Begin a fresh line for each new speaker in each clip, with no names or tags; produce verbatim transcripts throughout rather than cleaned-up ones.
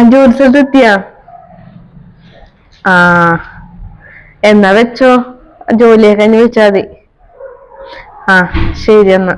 ജോലി സ്ഥലത്ത് എത്തിയാ? ആ എന്നാ വെച്ചോ, ജോലിയൊക്കെ കഴിഞ്ഞ് വെച്ചാ മതി. ആ ശരി എന്നാ.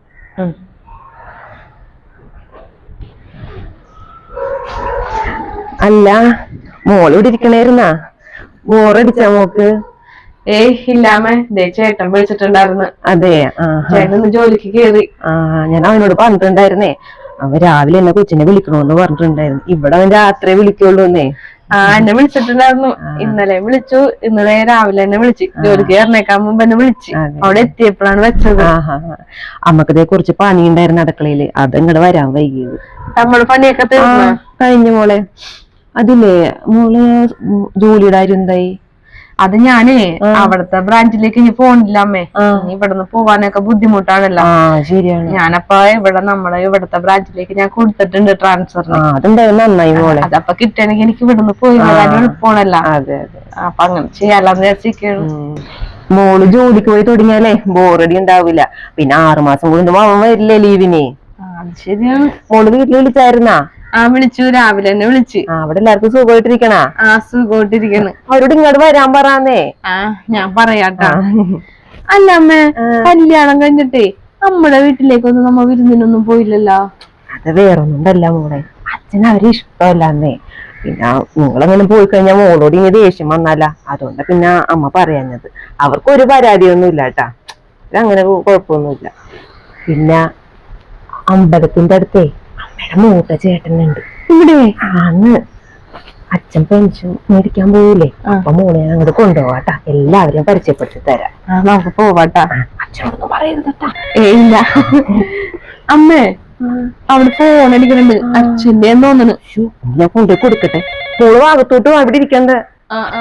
അല്ല, മോള് ഇവിടെ ഇരിക്കണായിരുന്നാ? ബോറടിച്ചാ മോക്ക്?
ഏയ് ഇല്ലാമേ, ദേ ചേട്ടൻ വിളിച്ചിട്ടുണ്ടായിരുന്നു.
അതെ.
ചേട്ടൻ ജോലിക്ക് കേറി.
ആ ഞാൻ അവനോട് പറഞ്ഞിട്ടുണ്ടായിരുന്നേ, അവൻ രാവിലെ എന്നെ കൊച്ചിനെ വിളിക്കണോന്ന് പറഞ്ഞിട്ടുണ്ടായിരുന്നു. ഇവിടെ അവൻ രാത്രി വിളിക്കുള്ളൂന്നേ.
ആ എന്നെ വിളിച്ചിട്ടുണ്ടായിരുന്നു, ഇന്നലെ വിളിച്ചു. ഇന്നലെ രാവിലെ എന്നെ വിളിച്ചു, ജോലിക്ക് കയറിനേക്കാൻ മുമ്പ് എന്നെ വിളിച്ചു. അവിടെ എത്തിയപ്പോഴാണ് വെച്ചത്.
അമ്മക്കതേ കുറിച്ച് പണി ഉണ്ടായിരുന്നു അടുക്കളയില്, അത് ഇങ്ങോട്ട് വരാൻ വൈകിയത്.
നമ്മള് പണിയൊക്കെ തീർന്നു
കഴിഞ്ഞു മോളെ. അതില്ലേ മോള് ജോലിയുടെ കാര്യം എന്തായി?
അത് ഞാനേ അവിടുത്തെ ബ്രാഞ്ചിലേക്ക് ഇനി പോണില്ല അമ്മേ. ഇവിടുന്ന് പോവാനൊക്കെ ബുദ്ധിമുട്ടാണല്ലോ.
ശരിയാണ്.
ഞാനപ്പ ഇവിടെ നമ്മളെ ഇവിടുത്തെ ബ്രാഞ്ചിലേക്ക് ഞാൻ കൊടുത്തിട്ടുണ്ട് ട്രാൻസ്ഫറിന്.
അതെന്തായാലും നന്നായി മോളെ.
അതപ്പൊ കിട്ടണമെങ്കിൽ എനിക്ക് ഇവിടുന്ന് പോയി വരാൻ എളുപ്പമാണല്ലോ.
അതെ അതെ.
അപ്പൊ അങ്ങനെ ചെയ്യാലോന്ന് വിചാരിച്ചിരിക്കുകയാണ്.
മോള് ജോലിക്ക് പോയി തുടങ്ങിയാലേ ബോറടി ഉണ്ടാവില്ല. പിന്നെ ആറുമാസം കൊണ്ട് അവൻ വരില്ലേ ലീവിന്?
അത് ശരിയാണ്.
മോള് വീട്ടിൽ വിളിച്ചായിരുന്നാ?
ആ വിളിച്ചു, രാവിലെ തന്നെ വിളിച്ചു.
അവിടെ എല്ലാവർക്കും സുഖമായിട്ടിരിക്കണ?
ആ സുഖമായിട്ടിരിക്കണ്.
അവരോട് ഇങ്ങോട്ട് വരാൻ പറയാന്നേ.
ആ ഞാൻ പറയാട്ടാ. അല്ല അമ്മേ, കല്യാണം കഴിഞ്ഞിട്ടേ നമ്മുടെ വീട്ടിലേക്കൊന്നും നമ്മ വിരുന്നിനൊന്നും പോയില്ലല്ലോ.
അത് വേറൊന്നുണ്ടല്ല മോളെ, അച്ഛൻ അവരെ ഇഷ്ടമല്ലാന്നേ. പിന്നെ നിങ്ങളങ്ങനെ പോയി കഴിഞ്ഞാൽ മോളോട് ഇങ്ങനെ ദേഷ്യം വന്നല്ല, അതുകൊണ്ട് പിന്നെ അമ്മ പറയാഞ്ഞത്. അവർക്ക് ഒരു പരാതിയൊന്നും ഇല്ല കേട്ടാ, അങ്ങനെ കുഴപ്പമൊന്നുമില്ല. പിന്നെ അമ്പലത്തിന്റെ അടുത്തേ അമ്മയുടെ മൂത്ത ചേട്ടനുണ്ട് ഇവിടെ. അന്ന് അച്ഛൻ പെൻഷൻ മേടിക്കാൻ പോയില്ലേ, അപ്പൊ മോളെ അങ്ങോട്ട് കൊണ്ടുപോവാട്ടാ, എല്ലാവരെയും പരിചയപ്പെടുത്തി തരാം.
നമുക്ക് പോവാട്ടാ.
അച്ഛനോടൊന്നും പറയരുതട്ടാ.
ഏയില്ല അമ്മേ, അവിടെ ഫോൺ അടിക്കുന്നുണ്ട്, അച്ഛന്റെ തോന്നണ്.
ഞാൻ കൊണ്ടുപോയി കൊടുക്കട്ടെ. മോള് ഭാഗത്തോട്ട് അവിടെ ഇരിക്കണ്ട.
ആ ആ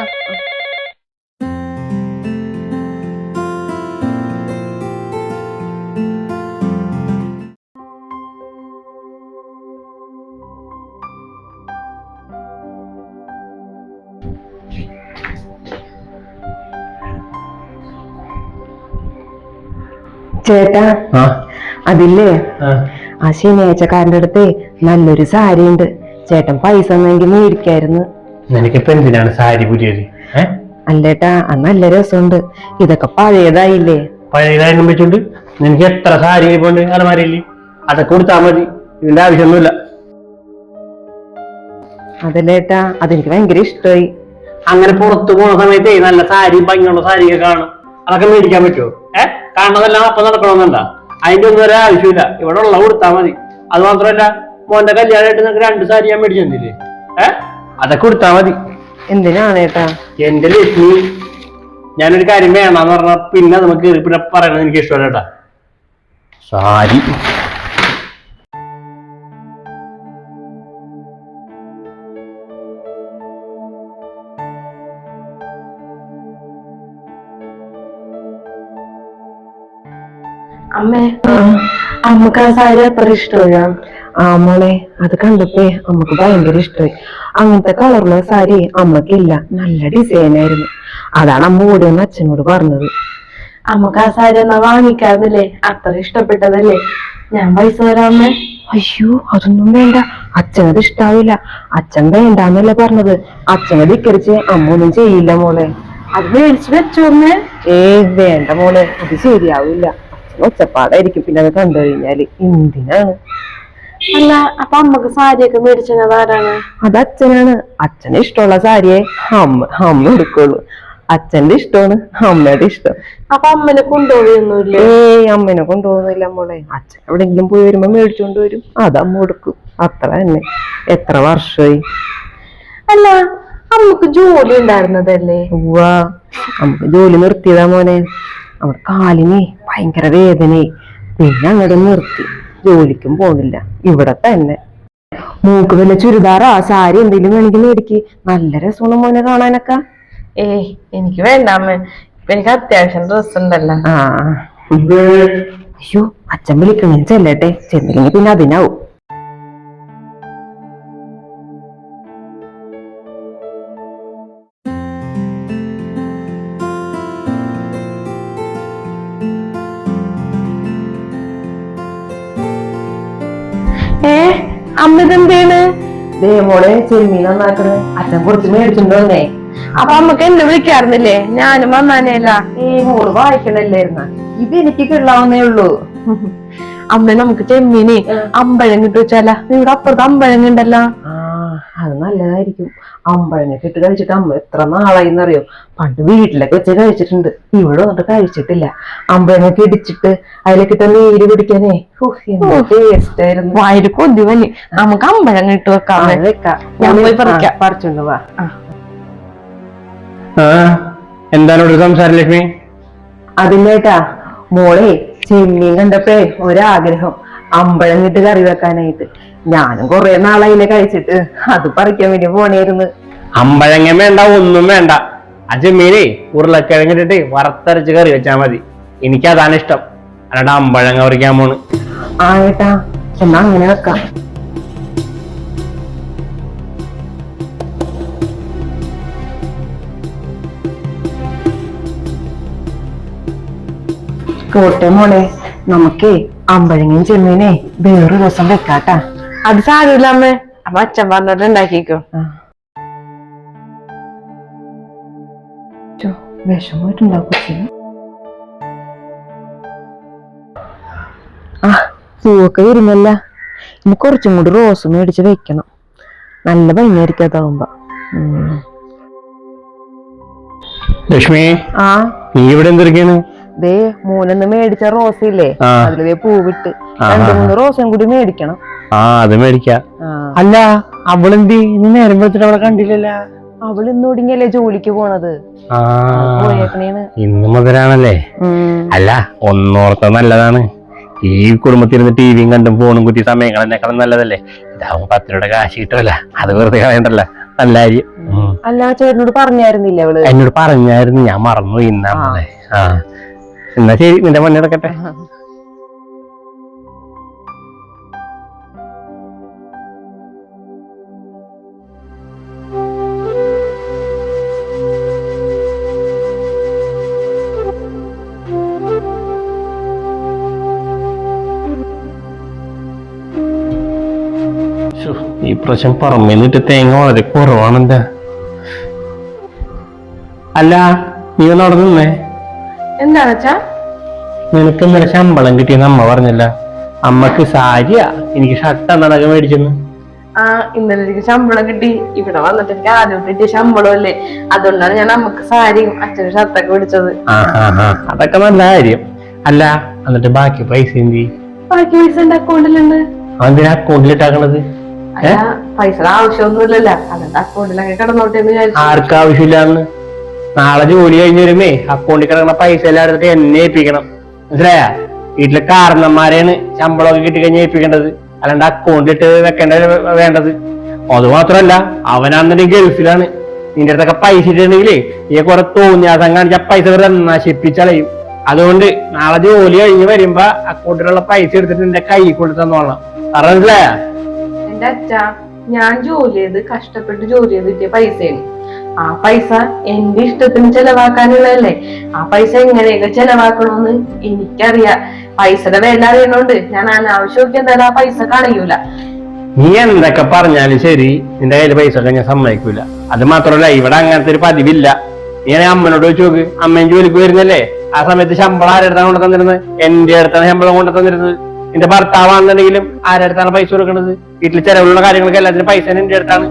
ചേട്ടാ, അതില്ലേ ആ ശനിയാഴ്ചക്കാരന്റെ അടുത്ത് നല്ലൊരു സാരി ഉണ്ട്. ചേട്ടൻ പൈസ ഒന്നെങ്കിൽ മേടിക്കായിരുന്നു.
നിനക്കിപ്പോ എന്തിനാണ് സാരി പുതിയത്?
അല്ലേട്ടാ, അത് നല്ല രസമുണ്ട്. ഇതൊക്കെ പഴയതായില്ലേ?
പഴയതായാലും വെച്ചോണ്ട് നിനക്ക് എത്ര സാരി പോണ്ട് അലമാരയില്, അതൊക്കെ കൊടുത്താൽ മതി, ഇതിന്റെ ആവശ്യമൊന്നുമില്ല.
അതല്ലേട്ടാ, അതെനിക്ക് ഭയങ്കര ഇഷ്ടമായി.
അങ്ങനെ പുറത്തു പോണ സമയത്തേ നല്ല സാരി ഭംഗിയുള്ള സാരിയൊക്കെ കാണും, അതൊക്കെ മേടിക്കാൻ പറ്റുമോ? ഏഹ് കാണുന്നതെല്ലാം അപ്പൊ നടക്കണമെന്നുണ്ടാ? അതിന്റെ ഒന്നും ഒരു ആവശ്യമില്ല, ഇവിടെ ഉള്ള കൊടുത്താൽ മതി. അത് മാത്രമല്ല, മോന്റെ കല്യാണമായിട്ട് നിനക്ക് രണ്ട് സാരി ഞാൻ മേടിച്ചു തന്നില്ലേ? ഏഹ് അതൊക്കെ കൊടുത്താൽ മതി.
എന്തിനാണേട്ടാ?
എന്റെ ലക്ഷ്മി, ഞാനൊരു കാര്യം വേണമെന്ന് പറഞ്ഞാൽ പിന്നെ നമുക്ക് പിന്നെ പറയണത് എനിക്ക് ഇഷ്ടമല്ല കേട്ടാ. സാരി
അമ്മേ, അമ്മക്ക് ആ സാരി അത്ര ഇഷ്ടമാ?
ആ മോളെ, അത് കണ്ടപ്പോ അമ്മക്ക് ഭയങ്കര ഇഷ്ടമായി. അങ്ങനത്തെ കളറുള്ള സാരി അമ്മക്കില്ല, നല്ല ഡിസൈൻ ആയിരുന്നു. അതാണ് അമ്മ ഓടിയെന്ന് അച്ഛനോട് പറഞ്ഞത്.
അമ്മക്ക് ആ സാരി എന്നാ വാങ്ങിക്കാറില്ലേ? അത്ര ഇഷ്ടപ്പെട്ടതല്ലേ? ഞാൻ പൈസ തരാം അമ്മേ.
അയ്യോ, അതൊന്നും വേണ്ട, അച്ഛനത് ഇഷ്ടാവില്ല. അച്ഛൻ വേണ്ടാന്നല്ലേ പറഞ്ഞത്. അച്ഛനെ ധിക്കരിച്ച് അമ്മ ഒന്നും ചെയ്യില്ല മോളെ.
അത് മേടിച്ചു വെച്ചോ അമ്മേ.
ഏയ് വേണ്ട മോളെ, അത് ശരിയാവില്ല. അച്ഛൻ ഒച്ചപ്പാടായിരിക്കും പിന്നെ അത് കണ്ടു കഴിഞ്ഞാല്. എന്തിനാണ്?
അല്ല, അപ്പൊ അമ്മക്ക് സാരിയൊക്കെ മേടിച്ചത് ആരാണ്?
അത് അച്ഛനാണ്. അച്ഛന് ഇഷ്ടമുള്ള സാരിയെ അമ്മ അമ്മ എടുക്കുള്ളൂ. അച്ഛന്റെ ഇഷ്ടമാണ് അമ്മയുടെ ഇഷ്ടം.
അപ്പൊ അമ്മനെ കൊണ്ടുപോയൊന്നുമില്ലേ?
ഏയ് അമ്മനെ കൊണ്ടുപോകുന്നില്ല മോളെ. അച്ഛൻ എവിടെയെങ്കിലും പോയി വരുമ്പോ മേടിച്ചോണ്ട് വരും, അത് അമ്മ കൊടുക്കും, അത്ര തന്നെ. എത്ര വർഷമായി?
അല്ല, അമ്മക്ക് ജോലി ഉണ്ടായിരുന്നതല്ലേ?
ഉവ്വാ, നമുക്ക് ജോലി നിർത്തിയതാ മോനെ. അവിടെ കാലിന് ഭയങ്കര വേദനയായി, പിന്നെ അങ്ങോട്ട് നിർത്തി. ജോലിക്കും പോണില്ല, ഇവിടെ തന്നെ. മൂക്ക് വല്ല ചുരിദാറാ സാരി എന്തെങ്കിലും വേണമെങ്കിൽ മേടിക്ക്, നല്ല രസമാണ് മോനെ കാണാനൊക്കെ.
ഏയ് എനിക്ക് വേണ്ട അമ്മ, എനിക്ക് അത്യാവശ്യം ഡ്രസ് ഉണ്ടല്ലോ.
ആ അയ്യോ, അച്ഛൻ വിളിക്കണേ, ചെല്ലട്ടെ. ചെന്നില്ലെങ്കിൽ പിന്നെ അതിനാവും.
ഏ അമ്മ ഇതെന്താണ്?
ദേ മോളെ ചെമ്മീൻ നന്നാക്കണേ അച്ഛൻ കുറച്ച് മേടിച്ചിട്ടുണ്ടോന്നേ.
അപ്പൊ അമ്മക്ക് എന്നെ വിളിക്കാറുന്നില്ലേ? ഞാനും വന്നാനേല.
ഏ മോള് വായിക്കണല്ലായിരുന്ന ഇത് എനിക്ക് കിള്ളാവുന്നേ ഉള്ളൂ.
അമ്മ നമുക്ക് ചെമ്മീന് അമ്പഴം കിട്ടു വെച്ചാല. നിങ്ങളുടെ അപ്പുറത്ത് അമ്പഴങ്ങ ഉണ്ടല്ലോ.
ആ അത് നല്ലതായിരിക്കും. അമ്പഴങ്ങൊക്കെ ഇട്ട് കഴിച്ചിട്ട് അമ്മ എത്ര നാളായിന്നറിയോ. പണ്ട് വീട്ടിലൊക്കെ വെച്ച് കഴിച്ചിട്ടുണ്ട്, ഇവിടെ വന്നിട്ട് കഴിച്ചിട്ടില്ല. അമ്പഴങ്ങൊക്കെ ഇടിച്ചിട്ട് അതിലേക്ക് ഇട്ട നീര് പിടിക്കാനേ ടേസ്റ്റ് ആയിരുന്നു.
വായിൽ കൊതി വന്നി. നമുക്ക് അമ്പഴങ്ങ ഇട്ട് വെക്കാം.
വെക്കാം,
ഞാൻ പോയി പറിക്കാം.
പറിച്ചോണ്ട് വാ.
എന്താണ് ഒരു സംസാരം ലക്ഷ്മി?
അതില്ലേട്ടാ മോളെ ചെമ്മീൻ കണ്ടപ്പോഴേ ഒരാഗ്രഹം അമ്പഴം കിട്ട് കറി വെക്കാനായിട്ട്. ഞാനും കൊറേ നാളായില്ലേ കഴിച്ചിട്ട്, അത് പറിക്കാൻ വേണ്ടി പോണേരുന്നു.
അമ്പഴങ്ങ വേണ്ട, ഒന്നും വേണ്ട. ആ ചെമ്മീനെ ഉരുളക്കിഴങ്ങിട്ടിട്ട് വറുത്തരച്ച് കറി വെച്ചാ മതി. എനിക്ക് അതാണ് ഇഷ്ടം, അല്ലാണ്ട് അമ്പഴങ്ങ പറിക്കാൻ പോണ്.
ആ ഏട്ടാ എന്നാ അങ്ങനെ വെക്കാം. കോട്ടെ മോളെ, നമുക്കേ അമ്പഴങ്ങയും ചെമ്മീനെ വേറൊരു ദിവസം വെക്കാട്ടാ.
അത് സാരമില്ല അമ്മേ, അപ്പൊ അച്ഛൻ പറഞ്ഞിട്ട് ഉണ്ടാക്കിക്കോ.
വിഷമായിട്ടുണ്ടാക്കും. ആ പൂവൊക്കെ വരുന്നല്ല, ഇനി കുറച്ചും കൂടി റോസ് മേടിച്ച് വെക്കണം. നല്ല ഭംഗിയായിരിക്കും അതാവുമ്പോ.
ലക്ഷ്മി,
ആ
നീ ഇവിടെ എന്തിരിക്കാണ്?
ദേ മൂന്നൊന്ന് മേടിച്ച റോസ് ഇല്ലേ, അതില് പൂവിട്ട് രണ്ടു മൂന്ന് റോസും കൂടി മേടിക്കണം.
ആ അത് മേടിക്കാം. അല്ല അവളെന്തി ഇന്ന് നേരം വെച്ചിട്ട് അവളെ കണ്ടില്ലല്ല?
അവള് ഇന്ന് ഒടുങ്ങിയല്ലേ ജോലിക്ക് പോണത്. പോയേക്കണേന്ന്.
ഇന്ന് മുതലാണല്ലേ? അല്ല ഒന്നോർത്ത നല്ലതാണ്. ഈ കുടുംബത്തിരുന്ന് ടിവിയും കണ്ടും ഫോണും കുത്തി സമയം കളഞ്ഞേക്കാളും നല്ലതല്ലേ? ഇതാവുമ്പോ പത്ത് രൂപയുടെ കാശ് കിട്ടുമല്ല, അത് വെറുതെ കളയണ്ടല്ല. നല്ല കാര്യം.
അല്ല ചേട്ടനോട് പറഞ്ഞായിരുന്നില്ല അവള്?
എന്നോട് പറഞ്ഞായിരുന്നു, ഞാൻ മറന്നു. ഇന്നാണല്ലേ? ആ എന്നാ ശരി, നിന്റെ പണി നടക്കട്ടെ. ഈ പ്രാവശ്യം പറമ്പിന്നിട്ട് തേങ്ങ വളരെ കുറവാണ്. എന്താ? അല്ല നീ ഒന്ന് അവിടെ നിന്നേ.
എന്താണ് അച്ഛാ?
നിനക്ക് ഇന്നലെ ശമ്പളം കിട്ടിയെന്ന് അമ്മ പറഞ്ഞല്ല? അമ്മക്ക് സാരിയാ, എനിക്ക് ഷർട്ട് എന്താണൊക്കെ മേടിച്ചെന്ന്.
ആ ഇന്നലെ എനിക്ക് ശമ്പളം കിട്ടി. ഇവിടെ വന്നിട്ട് എനിക്ക് ആദ്യം കിട്ടിയ ശമ്പളം അല്ലേ, അതുകൊണ്ടാണ് ഞാൻ അമ്മക്ക് സാരിയും അച്ഛനും ഷർട്ടൊക്കെ മേടിച്ചത്.
ആ ആ ആ അതൊക്കെ നല്ല കാര്യം. അല്ല എന്നിട്ട് ബാക്കി പൈസ എന്തി?
ബാക്കി പൈസ എന്റെ അക്കൗണ്ടിലുണ്ട്.
അതിന് അക്കൗണ്ടിലിട്ടാക്കണത്?
അല്ല പൈസയുടെ ആവശ്യമൊന്നുമില്ലല്ലോ, അതുകൊണ്ട് അക്കൗണ്ടിലൊക്കെ കിടന്നോട്ടെ എന്ന് വിചാരിച്ചു.
ആർക്കാവശ്യമില്ലാന്ന്? നാളെ ജോലി കഴിഞ്ഞ് വരുമ്പേ അക്കൗണ്ടിൽ കിടക്കണ പൈസ എല്ലാം എടുത്തിട്ട് എന്നെ ഏൽപ്പിക്കണം. മനസ്സിലായ? വീട്ടിലെ കാരണന്മാരെയാണ് ശമ്പളമൊക്കെ കിട്ടി കഴിഞ്ഞ് ഏൽപ്പിക്കേണ്ടത്, അല്ലാണ്ട് അക്കൗണ്ടിലിട്ട് വെക്കേണ്ട വേണ്ടത്. അത് മാത്രമല്ല അവനാണെന്നുണ്ടെങ്കിൽ ഗൾഫിലാണ്. നിന്റെ അടുത്തൊക്കെ പൈസ ഇട്ടുണ്ടെങ്കിലേ ഈ കുറെ തോന്നിയാസം കാണിച്ച പൈസ വെറുതെ നശിപ്പിച്ചളയും. അതുകൊണ്ട് നാളെ ജോലി കഴിഞ്ഞ് വരുമ്പോ അക്കൗണ്ടിലുള്ള പൈസ എടുത്തിട്ട് എന്റെ കൈ കൊണ്ട് തന്നോളാം. പറഞ്ഞില്ലേ?
എന്റെ അച്ഛാ, ഞാൻ ജോലി ചെയ്ത് കഷ്ടപ്പെട്ട് ജോലി ചെയ്ത് കിട്ടിയ പൈസയാണ്. ആ പൈസ എന്റെ ഇഷ്ടത്തിന് ചെലവാക്കാനുള്ളതല്ലേ. ആ പൈസ എങ്ങനെയൊക്കെ ചെലവാക്കണമെന്ന് എനിക്കറിയാം. പൈസയുടെ വില അറിയണോണ്ട് ഞാൻ അനാവശ്യമൊക്കെ എന്തായാലും ആ പൈസ കളയൂല.
നീ എന്തൊക്കെ പറഞ്ഞാലും ശരി, നിന്റെ കയ്യിൽ പൈസ ഒക്കെ ഞാൻ സമ്മതിക്കൂല. അത് മാത്രമല്ല ഇവിടെ അങ്ങനത്തെ ഒരു പതിവില്ല. നീ അമ്മനോട് ചോദിച്ചു നോക്ക്, അമ്മയും ജോലിക്ക് വരുന്നല്ലേ? ആ സമയത്ത് ശമ്പളം ആരെടുത്താണ് കൊണ്ടു തന്നിരുന്നത്? എന്റെ അടുത്താണ് ശമ്പളം കൊണ്ടു തന്നിരുന്നത്. നിന്റെ ഭർത്താവാണെന്നുണ്ടെങ്കിലും ആരെടുത്താണ് പൈസ കൊടുക്കുന്നത്? വീട്ടിൽ ചെലവുള്ള കാര്യങ്ങളൊക്കെ എല്ലാത്തിനും പൈസ എന്റെ അടുത്താണ്.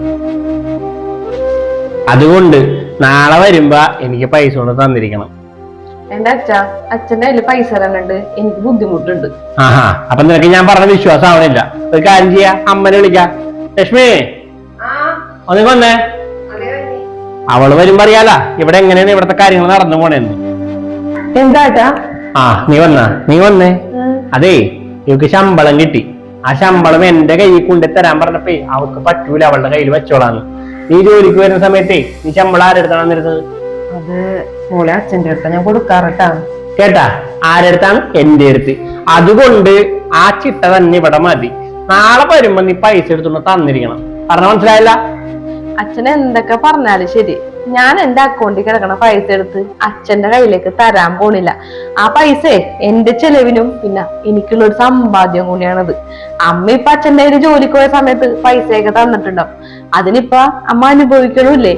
അതുകൊണ്ട് നാളെ വരുമ്പോ എനിക്ക് പൈസ കൊണ്ട് തന്നിരിക്കണം.
എന്റെ അച്ഛ അച്ഛന്റെ കയ്യില് പൈസ തരാനുണ്ട്, എനിക്ക് ബുദ്ധിമുട്ടുണ്ട്.
ആഹാ, അപ്പൊ നിനക്ക് ഞാൻ പറഞ്ഞ വിശ്വാസം ആവണില്ല. ഒരു കാര്യം ചെയ്യാ, അമ്മനെ വിളിക്കാം. ലക്ഷ്മി ഒന്ന് വന്നേ. അവള് വരുമ്പോ അറിയാലാ ഇവിടെ എങ്ങനെയാണ് ഇവിടത്തെ കാര്യങ്ങൾ നടന്നു പോണേന്ന്.
എന്താട്ടാ?
ആ നീ വന്നാ നീ വന്നേ. അതേ ഇവക്ക് ശമ്പളം കിട്ടി. ആ ശമ്പളം എന്റെ കയ്യിൽ കൊണ്ടു തരാൻ പറഞ്ഞപ്പേ അവൾക്ക് പറ്റൂല, അവളുടെ കയ്യിൽ വെച്ചോളാന്ന്. നീ ജോലിക്ക് വരുന്ന സമയത്തേ നീ ശമ്പളം ആരെടുത്താണ് തരുന്നത്?
അത് മോളെ അച്ഛന്റെ അടുത്ത ഞാൻ കൊടുക്കാറട്ടാ.
കേട്ടാ? ആരെടുത്താണ്? എന്റെ അടുത്ത്. അതുകൊണ്ട് ആ ചിട്ട തന്നെ ഇവിടെ മതി. നാളെ വരുമ്പോ നീ പൈസ എടുത്തോണ്ട് തന്നിരിക്കണം. പറഞ്ഞ മനസ്സിലായില്ല?
അച്ഛൻ എന്തൊക്കെ പറഞ്ഞാലും ശരി, ഞാൻ എന്റെ അക്കൗണ്ടിൽ കിടക്കണ പൈസ എടുത്ത് അച്ഛന്റെ കയ്യിലേക്ക് തരാൻ പോണില്ല. ആ പൈസ എന്റെ ചെലവിനും പിന്നെ എനിക്കുള്ള ഒരു സമ്പാദ്യം കൂടിയാണത്. അമ്മ ഇപ്പൊ അച്ഛന്റെ കയ്യിൽ ജോലിക്ക് പോയ സമയത്ത് പൈസയൊക്കെ തന്നിട്ടുണ്ടാവും. അതിനിപ്പ അമ്മ അനുഭവിക്കണില്ലേ?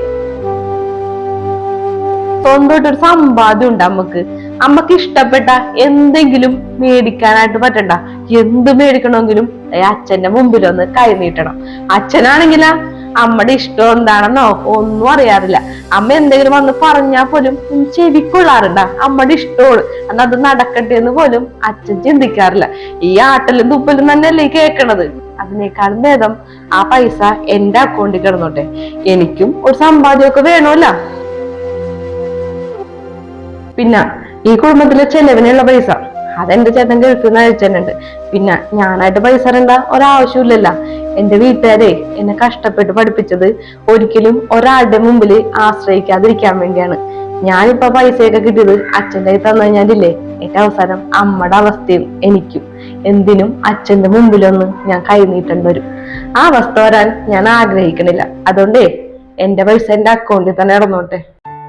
സ്വന്തമായിട്ടൊരു സമ്പാദ്യം ഉണ്ട് അമ്മക്ക്. അമ്മക്ക് ഇഷ്ടപ്പെട്ട എന്തെങ്കിലും മേടിക്കാനായിട്ട് പറ്റണ്ട. എന്ത് മേടിക്കണമെങ്കിലും അച്ഛന്റെ മുമ്പിലൊന്ന് കൈ നീട്ടണം. അച്ഛനാണെങ്കിലാ അമ്മയുടെ ഇഷ്ടം എന്താണെന്നോ ഒന്നും അറിയാറില്ല. അമ്മ എന്തെങ്കിലും വന്ന് പറഞ്ഞാൽ പോലും ചെവിക്കൊള്ളാറുണ്ട അമ്മയുടെ ഇഷ്ടമാണ്, എന്നാൽ അത് നടക്കട്ടെ എന്ന് പോലും അച്ഛൻ ചിന്തിക്കാറില്ല. ഈ ആട്ടലും തുപ്പലും തന്നെയല്ലേ കേൾക്കണത്. അതിനേക്കാളും ഭേദം ആ പൈസ എന്റെ അക്കൗണ്ടിൽ കിടന്നോട്ടെ. എനിക്കും ഒരു സമ്പാദ്യമൊക്കെ വേണമല്ല. പിന്നെ ഈ കുടുംബത്തിലെ ചെലവിനുള്ള പൈസ അതെന്റെ ചേട്ടൻ ഗൾഫിൽ നിന്ന് അയച്ചിട്ടുണ്ട്. പിന്നെ ഞാനായിട്ട് പൈസ തരേണ്ട ഒരാവശ്യമില്ലല്ല. എന്റെ വീട്ടുകാരെ എന്നെ കഷ്ടപ്പെട്ട് പഠിപ്പിച്ചത് ഒരിക്കലും ഒരാളുടെ മുമ്പിൽ ആശ്രയിക്കാതിരിക്കാൻ വേണ്ടിയാണ്. ഞാനിപ്പോ പൈസയൊക്കെ കിട്ടിയത് അച്ഛൻ്റെ കയ്യിൽ തന്നു കഴിഞ്ഞാലില്ലേ, ഏറ്റവും അവസാനം അമ്മയുടെ അവസ്ഥയും എനിക്കും എന്തിനും അച്ഛന്റെ മുമ്പിലൊന്ന് ഞാൻ കൈനീട്ടേണ്ടി വരും. ആ അവസ്ഥ വരാൻ ഞാൻ ആഗ്രഹിക്കണില്ല. അതുകൊണ്ടേ എന്റെ പൈസ എന്റെ അക്കൗണ്ടിൽ തന്നെ ഇടന്നോട്ടെ.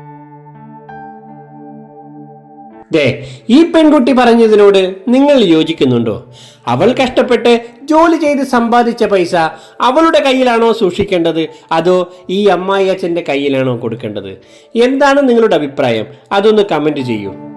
ദേ, ഈ പെൺകുട്ടി പറഞ്ഞതിനോട് നിങ്ങൾ യോജിക്കുന്നുണ്ടോ? അവൾ കഷ്ടപ്പെട്ട് ജോലി ചെയ്ത് സമ്പാദിച്ച പൈസ അവളുടെ കയ്യിലാണോ സൂക്ഷിക്കേണ്ടത്, അതോ ഈ അമ്മായി അച്ഛൻ്റെ കയ്യിലാണോ കൊടുക്കേണ്ടത്? എന്താണ് നിങ്ങളുടെ അഭിപ്രായം? അതൊന്ന് കമന്റ് ചെയ്യൂ.